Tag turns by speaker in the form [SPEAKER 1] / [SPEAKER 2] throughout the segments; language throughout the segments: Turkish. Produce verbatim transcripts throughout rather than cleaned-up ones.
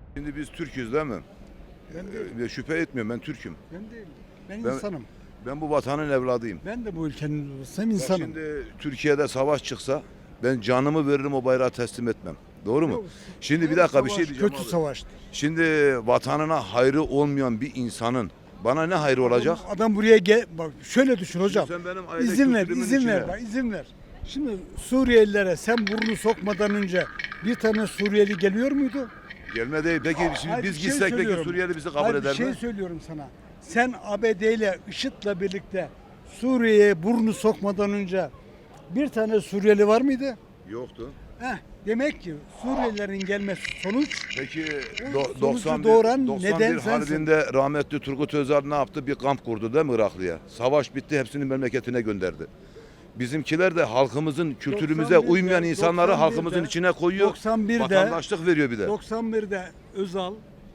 [SPEAKER 1] Şimdi biz Türk'üz değil mi?
[SPEAKER 2] Ben değilim.
[SPEAKER 1] Ee, şüphe etmiyorum, ben Türk'üm.
[SPEAKER 2] Ben değilim. Ben,
[SPEAKER 1] Ben-
[SPEAKER 2] insanım.
[SPEAKER 1] Ben bu vatanın evladıyım.
[SPEAKER 2] Ben de bu ülkenin babasıyım,
[SPEAKER 1] Bak
[SPEAKER 2] insanım.
[SPEAKER 1] şimdi Türkiye'de savaş çıksa ben canımı veririm, o bayrağı teslim etmem. Doğru mu?
[SPEAKER 2] Yok,
[SPEAKER 1] Şimdi bir
[SPEAKER 2] her
[SPEAKER 1] dakika bir
[SPEAKER 2] savaş
[SPEAKER 1] şey diyeceğim
[SPEAKER 2] kötü
[SPEAKER 1] abi.
[SPEAKER 2] savaştır.
[SPEAKER 1] Şimdi vatanına hayrı olmayan bir insanın bana ne hayrı olacak?
[SPEAKER 2] Adam, adam buraya gel, bak şöyle düşün hocam.
[SPEAKER 1] Sen benim aile
[SPEAKER 2] İzin ver,
[SPEAKER 1] kültürümün
[SPEAKER 2] izin ver,
[SPEAKER 1] içine-
[SPEAKER 2] bak izin ver. Şimdi Suriyelilere sen burnunu sokmadan önce bir tane Suriyeli geliyor muydu?
[SPEAKER 1] Gelme değil. Peki şimdi
[SPEAKER 2] Hayır,
[SPEAKER 1] biz
[SPEAKER 2] bir şey
[SPEAKER 1] gitsek peki
[SPEAKER 2] söylüyorum.
[SPEAKER 1] Suriyeli bizi kabul
[SPEAKER 2] Hayır,
[SPEAKER 1] eder
[SPEAKER 2] bir şey
[SPEAKER 1] mi?
[SPEAKER 2] söylüyorum sana. Sen A B D ile IŞİD'le birlikte Suriye'ye burnunu sokmadan önce bir tane Suriyeli var mıydı?
[SPEAKER 1] Yoktu.
[SPEAKER 2] Heh, demek ki Suriyelilerin gelmesi sonuç.
[SPEAKER 1] Peki
[SPEAKER 2] O
[SPEAKER 1] do,
[SPEAKER 2] sonucu
[SPEAKER 1] doksan bir,
[SPEAKER 2] doğuran
[SPEAKER 1] doksan bir
[SPEAKER 2] neden sensin.
[SPEAKER 1] Harbi'nde rahmetli Turgut Özal ne yaptı? Bir kamp kurdu değil mi Iraklı'ya? Savaş bitti, hepsini memleketine gönderdi. Bizimkiler de halkımızın kültürümüze
[SPEAKER 2] doksan birde
[SPEAKER 1] uymayan insanları
[SPEAKER 2] doksan
[SPEAKER 1] halkımızın
[SPEAKER 2] birde
[SPEAKER 1] içine koyuyor.
[SPEAKER 2] doksan birde
[SPEAKER 1] Vatandaşlık veriyor bir de.
[SPEAKER 2] doksan birde Özal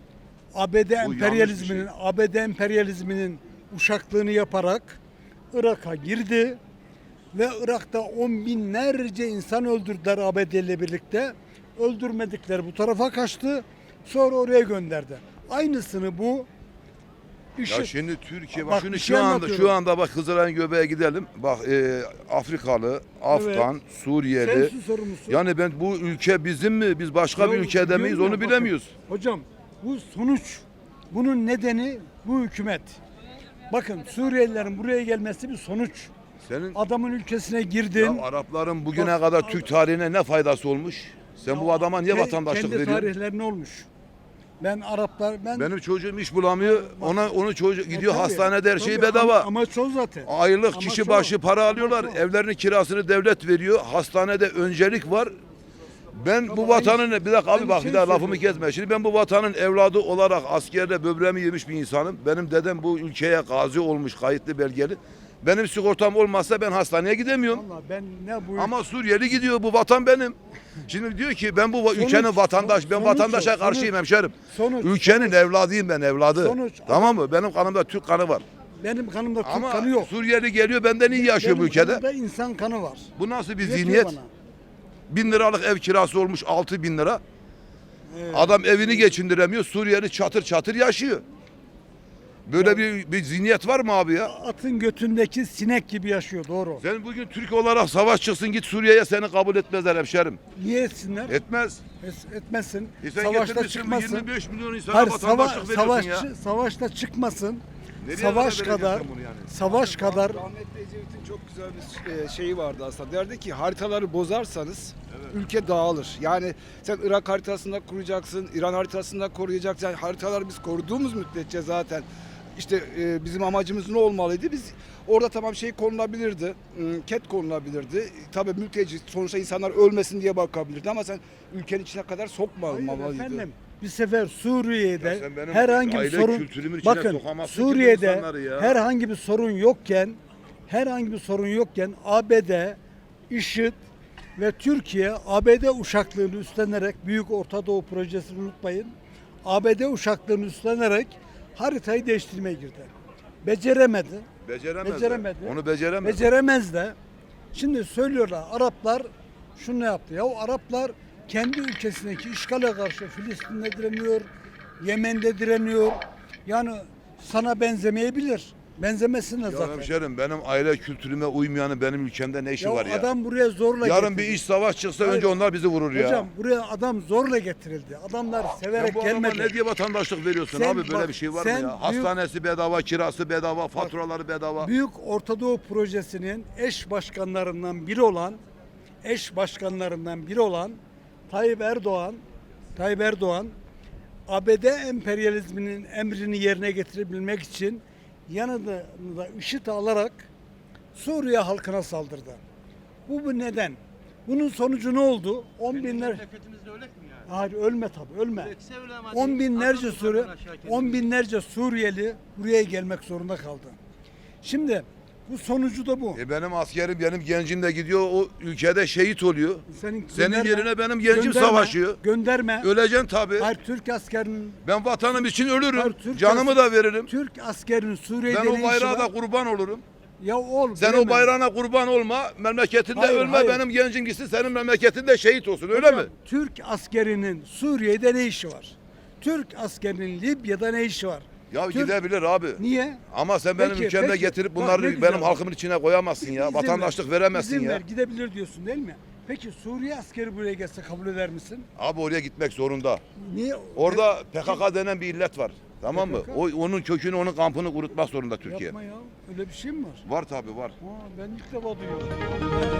[SPEAKER 2] A B D
[SPEAKER 1] Bu
[SPEAKER 2] emperyalizminin
[SPEAKER 1] yanlış
[SPEAKER 2] A B D emperyalizminin uşaklığını yaparak Irak'a girdi ve Irak'ta on binlerce insan öldürdüler A B D ile birlikte. Öldürmedikleri bu tarafa kaçtı. Sonra oraya gönderdi. Aynısını bu
[SPEAKER 1] Ya
[SPEAKER 2] IŞİD
[SPEAKER 1] şimdi Türkiye bak,
[SPEAKER 2] Bak,
[SPEAKER 1] şunu
[SPEAKER 2] bir
[SPEAKER 1] şu
[SPEAKER 2] şey
[SPEAKER 1] anda
[SPEAKER 2] anlatıyorum.
[SPEAKER 1] şu anda bak Hızıray'ın göbeğe gidelim. Bak e, Afrikalı, Afgan, Suriyeli.
[SPEAKER 2] sensin sorumlusu.
[SPEAKER 1] Yani ben bu ülke bizim mi? Biz başka bir
[SPEAKER 2] Ya,
[SPEAKER 1] ülkede miyiz?
[SPEAKER 2] diyorum
[SPEAKER 1] Onu
[SPEAKER 2] ya, bakın,
[SPEAKER 1] bilemiyoruz.
[SPEAKER 2] Hocam bu sonuç. Bunun nedeni bu hükümet. Bakın Suriyelilerin buraya gelmesi bir sonuç.
[SPEAKER 1] Senin
[SPEAKER 2] Adamın ülkesine girdin.
[SPEAKER 1] ya Arapların bugüne
[SPEAKER 2] Bak,
[SPEAKER 1] kadar
[SPEAKER 2] Ar-
[SPEAKER 1] Türk tarihine ne faydası olmuş? Sen bu adama niye
[SPEAKER 2] Ke-
[SPEAKER 1] vatandaşlık
[SPEAKER 2] Kendi
[SPEAKER 1] veriyorsun?
[SPEAKER 2] tarihlerine olmuş. Ben Araplar ben
[SPEAKER 1] Benim çocuğum iş bulamıyor. Ona onu çocuk gidiyor
[SPEAKER 2] Tabii,
[SPEAKER 1] hastanede her şey
[SPEAKER 2] tabii,
[SPEAKER 1] bedava.
[SPEAKER 2] ama- Amaç o zaten.
[SPEAKER 1] Aylık
[SPEAKER 2] Amaç
[SPEAKER 1] kişi
[SPEAKER 2] o.
[SPEAKER 1] başı para alıyorlar.
[SPEAKER 2] Amaç o.
[SPEAKER 1] Evlerinin kirasını devlet veriyor. Hastanede öncelik var. Ben bu
[SPEAKER 2] Ama
[SPEAKER 1] vatanın
[SPEAKER 2] aynı-
[SPEAKER 1] bir dakika abi
[SPEAKER 2] aynı
[SPEAKER 1] bak
[SPEAKER 2] şey
[SPEAKER 1] bir daha lafımı
[SPEAKER 2] söylüyorum.
[SPEAKER 1] kesme. Şimdi ben bu vatanın evladı olarak askerde böbreğimi yemiş bir insanım. Benim dedem bu ülkeye gazi olmuş, kayıtlı belgeli. Benim sigortam olmazsa ben hastaneye gidemiyorum.
[SPEAKER 2] Vallahi ben ne bu
[SPEAKER 1] Ama Suriyeli gidiyor, bu vatan benim. Şimdi diyor ki ben bu va-
[SPEAKER 2] Sonuç-
[SPEAKER 1] ülkenin vatandaş, ben
[SPEAKER 2] sonuç
[SPEAKER 1] vatandaşa
[SPEAKER 2] o,
[SPEAKER 1] karşıyım
[SPEAKER 2] sonuç.
[SPEAKER 1] hemşerim.
[SPEAKER 2] Sonuç,
[SPEAKER 1] Ülkenin
[SPEAKER 2] sonuç.
[SPEAKER 1] evladıyım ben, evladı.
[SPEAKER 2] Sonuç.
[SPEAKER 1] Tamam mı? Benim kanımda Türk kanı var.
[SPEAKER 2] benim kanımda Türk
[SPEAKER 1] Ama
[SPEAKER 2] kanı yok.
[SPEAKER 1] Suriyeli geliyor benden iyi yaşıyor bu
[SPEAKER 2] Benim
[SPEAKER 1] ülkede.
[SPEAKER 2] kanımda insan kanı var.
[SPEAKER 1] Bu nasıl bir
[SPEAKER 2] Yetiyor
[SPEAKER 1] zihniyet?
[SPEAKER 2] bana.
[SPEAKER 1] Bin liralık ev kirası olmuş altı bin lira.
[SPEAKER 2] Evet.
[SPEAKER 1] Adam evini geçindiremiyor. Suriyeli çatır çatır yaşıyor. Böyle bir, bir zihniyet var mı abi ya?
[SPEAKER 2] Atın götündeki sinek gibi yaşıyor, doğru.
[SPEAKER 1] Sen bugün Türk olarak savaş çıksın git Suriye'ye, seni kabul etmezler hemşerim.
[SPEAKER 2] Niye etsinler?
[SPEAKER 1] Etmez.
[SPEAKER 2] Es- etmesin.
[SPEAKER 1] E sen
[SPEAKER 2] Savaşta
[SPEAKER 1] getirmişsin bu
[SPEAKER 2] çıkmasın.
[SPEAKER 1] yirmi beş milyon insana
[SPEAKER 2] Hayır, sava
[SPEAKER 1] vatandaşlık veriyorsun
[SPEAKER 2] savaşçı,
[SPEAKER 1] ya.
[SPEAKER 2] savaşta çıkmasın.
[SPEAKER 1] Nereye
[SPEAKER 2] Savaş
[SPEAKER 1] kadar
[SPEAKER 2] kadar,
[SPEAKER 1] vereceksin bunu yani?
[SPEAKER 2] savaş kadar
[SPEAKER 3] Rahmetli Ecevit'in çok güzel bir e, şeyi vardı aslında. Derdi ki haritaları bozarsanız ülke dağılır. Yani sen Irak haritasında kuracaksın, İran haritasında koruyacaksın. Yani haritaları biz koruduğumuz müddetçe zaten işte e, bizim amacımız ne olmalıydı? Biz orada tamam şey konulabilirdi, ım, ket konulabilirdi. Tabii mülteci sonuçta insanlar ölmesin diye bakabilirdi ama sen ülkenin içine kadar
[SPEAKER 2] Hayır
[SPEAKER 3] sokmamalıydı.
[SPEAKER 2] efendim, bir sefer Suriye'de
[SPEAKER 1] Ya sen benim
[SPEAKER 2] herhangi bir
[SPEAKER 1] aile
[SPEAKER 2] sorun,
[SPEAKER 1] kültürümün içine
[SPEAKER 2] bakın
[SPEAKER 1] sokamazsın ki bu
[SPEAKER 2] Suriye'de
[SPEAKER 1] insanları ya.
[SPEAKER 2] herhangi bir sorun yokken herhangi bir sorun yokken A B D, IŞİD ve Türkiye A B D uşaklığını üstlenerek, Büyük Orta Doğu Projesi'ni unutmayın, A B D uşaklığını üstlenerek haritayı değiştirmeye girdi. Beceremedi.
[SPEAKER 1] Beceremez. de.
[SPEAKER 2] Beceremedi.
[SPEAKER 1] Onu beceremez.
[SPEAKER 2] Beceremez de. Şimdi söylüyorlar Araplar şunu yaptı. Ya o Araplar kendi ülkesindeki işgale karşı Filistin'de direniyor, Yemen'de direniyor. Yani sana benzemeyebilir. Benzemesinler
[SPEAKER 1] Ya
[SPEAKER 2] zaten.
[SPEAKER 1] hemşerim benim aile kültürüme uymayanın benim ülkemde ne işi
[SPEAKER 2] Ya
[SPEAKER 1] var ya?
[SPEAKER 2] adam buraya zorla
[SPEAKER 1] Yarın
[SPEAKER 2] getirildi.
[SPEAKER 1] bir iş savaş çıksa
[SPEAKER 2] Hayır.
[SPEAKER 1] önce onlar bizi vurur ya.
[SPEAKER 2] Hocam buraya adam zorla getirildi. Adamlar
[SPEAKER 1] Sen
[SPEAKER 2] severek
[SPEAKER 1] bu adama
[SPEAKER 2] gelmedi.
[SPEAKER 1] ne diye vatandaşlık veriyorsun
[SPEAKER 2] Sen
[SPEAKER 1] abi? Böyle
[SPEAKER 2] bak,
[SPEAKER 1] bir şey var
[SPEAKER 2] sen
[SPEAKER 1] mı ya?
[SPEAKER 2] büyük-
[SPEAKER 1] Hastanesi bedava, kirası bedava, faturaları bedava.
[SPEAKER 2] Büyük Orta Doğu Projesi'nin eş başkanlarından biri olan eş başkanlarından biri olan Tayyip Erdoğan Tayyip Erdoğan A B D emperyalizminin emrini yerine getirebilmek için yanında da IŞİD'i alarak Suriye halkına saldırdı. Bu bu neden? Bunun sonucu ne oldu? On binler
[SPEAKER 4] Memleketimizde öyle mi yani?
[SPEAKER 2] Hayır ölme tabii ölme.
[SPEAKER 4] Öylekse öyle ama
[SPEAKER 2] On
[SPEAKER 4] değil.
[SPEAKER 2] binlerce
[SPEAKER 4] Atalım
[SPEAKER 2] Suri,
[SPEAKER 4] yukarıdan aşağı kendimizi.
[SPEAKER 2] on binlerce Suriyeli buraya gelmek zorunda kaldı. Şimdi bu sonucu da bu.
[SPEAKER 1] E benim askerim, benim gencim de gidiyor o ülkede şehit oluyor.
[SPEAKER 2] Senin,
[SPEAKER 1] Senin
[SPEAKER 2] gönderme,
[SPEAKER 1] yerine benim gencim
[SPEAKER 2] gönderme,
[SPEAKER 1] savaşıyor.
[SPEAKER 2] Gönderme.
[SPEAKER 1] Öleceksin tabii.
[SPEAKER 2] Hayır Türk askerinin
[SPEAKER 1] Ben vatanım için ölürüm.
[SPEAKER 2] Hayır, Türk
[SPEAKER 1] Canımı
[SPEAKER 2] as-
[SPEAKER 1] da veririm.
[SPEAKER 2] Türk askerinin Suriye'de
[SPEAKER 1] Ben
[SPEAKER 2] ne
[SPEAKER 1] o
[SPEAKER 2] işi
[SPEAKER 1] bayrağa da
[SPEAKER 2] var?
[SPEAKER 1] kurban olurum.
[SPEAKER 2] Ya oğlum.
[SPEAKER 1] Sen o
[SPEAKER 2] bilemem.
[SPEAKER 1] bayrağına kurban olma, memleketinde
[SPEAKER 2] Hayır,
[SPEAKER 1] ölme,
[SPEAKER 2] hayır.
[SPEAKER 1] benim gencim gitsin senin memleketinde şehit olsun, öyle
[SPEAKER 2] Hocam,
[SPEAKER 1] mi?
[SPEAKER 2] Türk askerinin Suriye'de ne işi var? Türk askerinin Libya'da ne işi var?
[SPEAKER 1] Ya
[SPEAKER 2] Türk-
[SPEAKER 1] gidebilir abi.
[SPEAKER 2] Niye?
[SPEAKER 1] Ama sen benim
[SPEAKER 2] Peki,
[SPEAKER 1] ülkemde
[SPEAKER 2] peki.
[SPEAKER 1] getirip
[SPEAKER 2] Bak
[SPEAKER 1] bunları
[SPEAKER 2] ne
[SPEAKER 1] benim
[SPEAKER 2] güzel.
[SPEAKER 1] halkımın içine koyamazsın ya.
[SPEAKER 2] İzin ver,
[SPEAKER 1] Vatandaşlık veremezsin
[SPEAKER 2] izin
[SPEAKER 1] ya.
[SPEAKER 2] ver, gidebilir diyorsun değil mi? Peki Suriye askeri buraya gelse kabul eder misin?
[SPEAKER 1] Abi oraya gitmek zorunda.
[SPEAKER 2] Niye?
[SPEAKER 1] Orada P K K denen bir illet var. Tamam mı?
[SPEAKER 2] P K K?
[SPEAKER 1] O onun kökünü, onun kampını kurutmak zorunda Türkiye.
[SPEAKER 2] Yapma ya. Öyle bir şey mi var?
[SPEAKER 1] Var tabii var.
[SPEAKER 2] Ha, ben ilk defa duyuyorum.